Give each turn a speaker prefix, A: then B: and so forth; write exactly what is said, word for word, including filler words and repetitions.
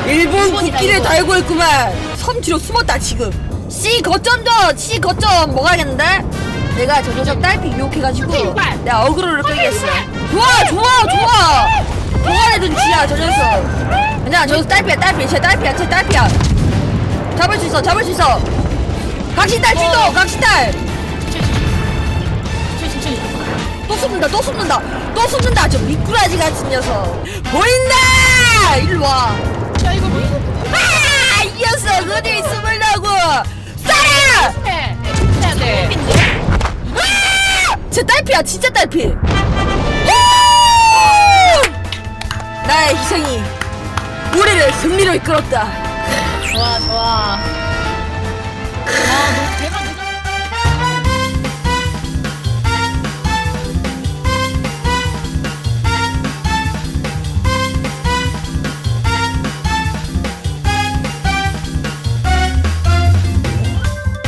A: 일본
B: 일본이다,
A: 국기를
B: 일본.
A: 달고 있구만. 섬 뒤로 숨었다 지금. C 거점전 C 거점 먹어야겠는데. 내가 저 녀석 딸피 유혹해가지고
B: 이발.
A: 내가 어그로를 끌겠어. 좋아 좋아 좋아. 동안의 눈치야 저 녀석. 아니야 저 녀석 딸피야 딸피. 쟤 딸피야 쟤 딸피야. 잡을 수 있어 잡을 수 있어. 각시탈 출동
B: 어.
A: 각시탈.
B: 칠칠칠.
A: 또 숨는다 또 숨는다 또 숨는다. 저 미꾸라지 같은 녀석 보인다. 일로 와.
B: 야 이거 뭐?
A: 아, 이 녀석 어디 숨으려고. 쏴라.
B: 해. 해야 돼.
A: 아! 제 딸피야 진짜 딸피. 오! 나의 희생이 우리를 승리로 이끌었다.
B: 좋아 좋아. 아, 너